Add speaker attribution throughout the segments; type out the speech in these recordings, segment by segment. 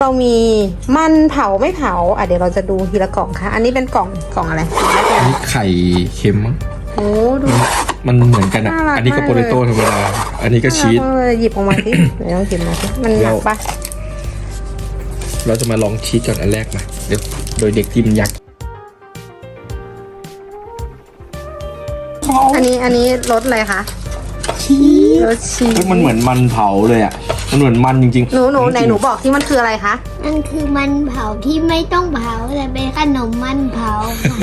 Speaker 1: เรามีมันเผาไม่เผาเดี๋ยวเราจะดูทีละกล่องค่ะอันนี้เป็นกล่องอะไร
Speaker 2: อันนี้ไข่เค็มมั้ง
Speaker 1: โอ้ดู
Speaker 2: มันเหมือนกันอ่ะอันนี้ก็โปเตโต้ธรรมดาอันนี้ก็ชีส
Speaker 1: หยิบออกมาสิเดี๋ยวลองหยิบมาสิมันหนักปะ
Speaker 2: เราจะมาลองชีสก่อนอันแรกมาเดี๋ยวโดยเด็กที่มันยักษ์
Speaker 1: อันนี้รสอะไรคะรสชีส
Speaker 2: มันเหมือนมันเผาเลยอ่ะมันเหมือนมันจริง
Speaker 1: ๆหนูไหนหนูบอกที่มันคืออะไรคะ
Speaker 3: มันคือมันเผาที่ไม่ต้องเผาแต่เป็นขนมมันเผา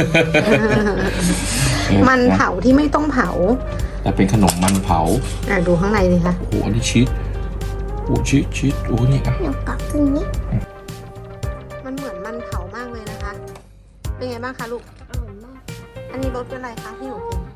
Speaker 1: มันเผาที่ไม่ต้องเผา
Speaker 2: แต่เป็นขนมมันเผา
Speaker 1: ดูข้างในสิคะ
Speaker 2: โอ้โหอันนี้ชีสโอ้ชีสโอ้นี่อ่ะ
Speaker 3: เดี๋ยวกลับตรงนี้
Speaker 1: มันเหมือนมันเผามากเลยนะคะเป็นไงบ้างคะลูก
Speaker 3: อร่อยมาก
Speaker 1: อันนี้รสเป็นอะไรคะที่หนูกิน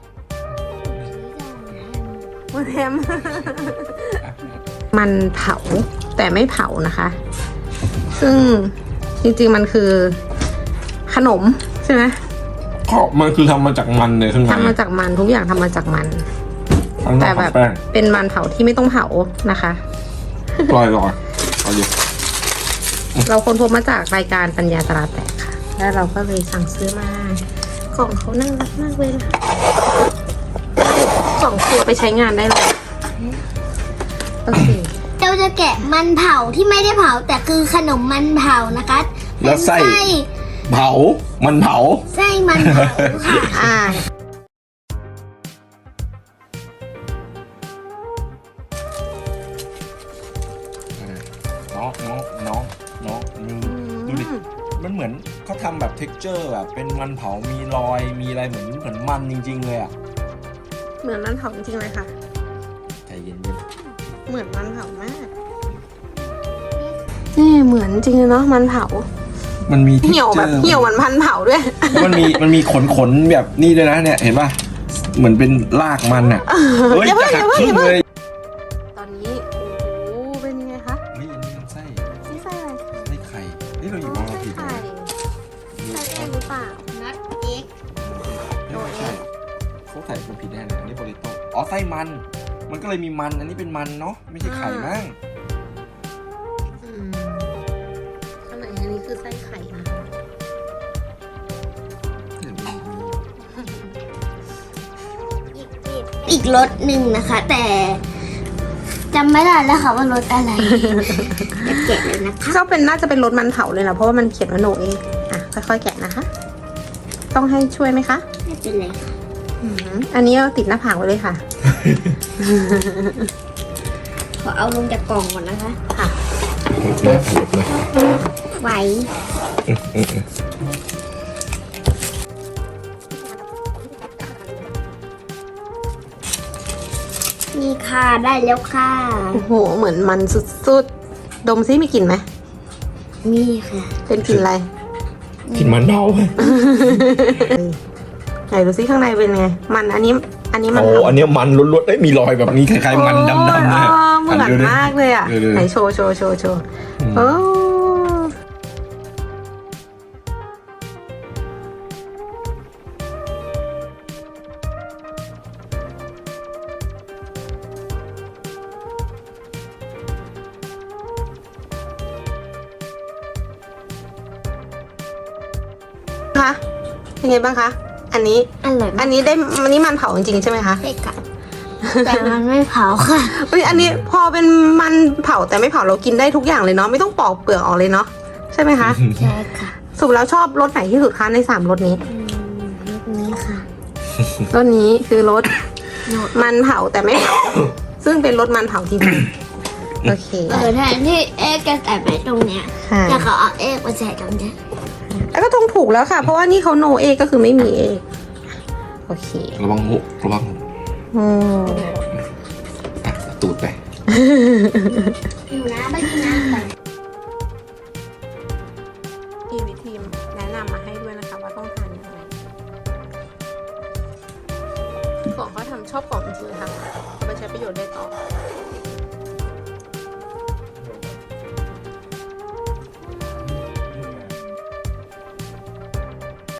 Speaker 1: มันแฮมมันเผาแต่ไม่เผานะคะ ซึ่งจริงๆมันคือขนมใช่ไหม
Speaker 2: ก็มันคือทำมาจากมันเลยข้างใน
Speaker 1: ทำมาจากมันทุกอย่างทำมาจากมันแต่แบบเป็นมันเผาที่ไม่ต้องเผานะคะ
Speaker 2: ลอย
Speaker 1: เราค้นพบมาจากรายการปัญญาตลาดแตกค่ะแล้วเราก็เลยสั่งซื้อมากล่องเขาน่ารักมากเลยนะคะกล่องตัวไปใช้งานได้เลยโอเค
Speaker 3: เราจะแกะมันเผาที่ไม่ได้เผาแต่คือขนมมันเผานะคะ
Speaker 2: แล้วไส้เผามันเผา
Speaker 3: ไส้มันเผาค่ะ
Speaker 2: น้องดูดิมันเหมือนเขาทำแบบ texture แบบเป็นมันเผามีรอยมีอะไรเหมือนมันจริงๆเลยอ่ะ
Speaker 1: เหมือนมันเผาจริงๆเลยค่ะ
Speaker 2: ใจเย็น
Speaker 1: ๆเหมือนมันเผามากนี่เหมือนจริงเนาะมันเผา
Speaker 2: มันมี
Speaker 1: เหี่ยวแบบเหี่ยวเหมือนพันเผาด้วย
Speaker 2: มันมีขนแบบนี่ด้วยนะเนี่ยเห็นป่ะเหมือนเป็นรากมันอ่ะเฮ้ยจะหักครึ่งเลย
Speaker 1: ตอนนี้โอ้เป็นยังไงคะ
Speaker 2: นี่อันนี้ไส้
Speaker 1: อะไร
Speaker 2: ไส้ไข่นี่เราหยิบมาผิด
Speaker 1: ไส้หรือเปล่า
Speaker 3: นัดเอ็ก
Speaker 2: โใช่เขาใส่คนผิดแน่เลยอันนี้โปเตโต้อ๋อไส้มันก็เลยมีมันอันนี้เป็นมันเนาะไม่ใช่ไข่มั้ง
Speaker 1: ข้างในอันนี้คือไส้ไข่นะ
Speaker 3: อีกรสหนึ่งนะคะแต่จำไม่ได้แล้วค่ะว่ารสอะไรแกะเลยนะคะ
Speaker 1: ก็น่าจะเป็นรสมันเผาเลยนะเพราะว่ามันเขียนว่าโนเองค่อยๆแกะนะคะต้องให้ช่วยไหมคะ
Speaker 3: ไม่เป็นไรค่ะ
Speaker 1: อันนี้เราติดหน้าผากไว้เลยค่ะ
Speaker 3: ขอเอาลงจากกล่องก่อนนะคะ
Speaker 1: ค่ะ
Speaker 3: ไหวนี่ค่ะได้แล้วค่ะ
Speaker 1: โอ้โหเหมือนมันสุดๆดมซิมีกลิ่นไหม
Speaker 3: มีค่ะ
Speaker 1: เป็นกลิ่นอะไร
Speaker 2: กลิ่นมันเผา
Speaker 1: ไหนดูซิข้างในเป็นไงมันอันนี้มัน
Speaker 2: อันนี้มันล้วนๆมีรอยแบบนี้คล้ายๆมันดำๆเลย
Speaker 1: เหมือนมากเลยอ่ะไหนโชว์โอ้คะเป็นไงบ้างคะอันนี้
Speaker 3: อร่อย
Speaker 1: อันนี้มันเผาจริงๆใช่ไหมคะ
Speaker 3: ใช่ค่ะแต่มันไม่เผาค่ะ
Speaker 1: อันนี้พอเป็นมันเผาแต่ไม่เผาเรากินได้ทุกอย่างเลยเนาะไม่ต้องปอกเปลือกออกเลยเนาะใช่ไหมคะ
Speaker 3: ใช่ค่ะ
Speaker 1: สรุปแล้วชอบรสไหนที่สุดคะใน3รสนี้
Speaker 3: รสนี้ค่ะ
Speaker 1: รสนี้คือรสมันเผาแต่ไม่เผาซึ่งเป็นรสมันเผาจริงๆโอเค
Speaker 3: แทนที่เอ๊กจะใส่ไปตรงเนี้ยแต่เขาเอาเอ๊กมาใส่ตรงเนี้ย
Speaker 1: แล้วก็ต้องถูกแล้วค่ะเพราะว่านี่เขาโนเอก็คือไม่มีเอโอเค
Speaker 2: ระวังหูตูดไป
Speaker 3: อยู่นะไม่กินน้ำไป
Speaker 1: มีวิธีแนะนำมาให้ด้วยนะคะว่าต้องทานยังไงของเขาทำชอบของจริงๆค่ะเอาไปใช้ประโยชน์ได้ต่อ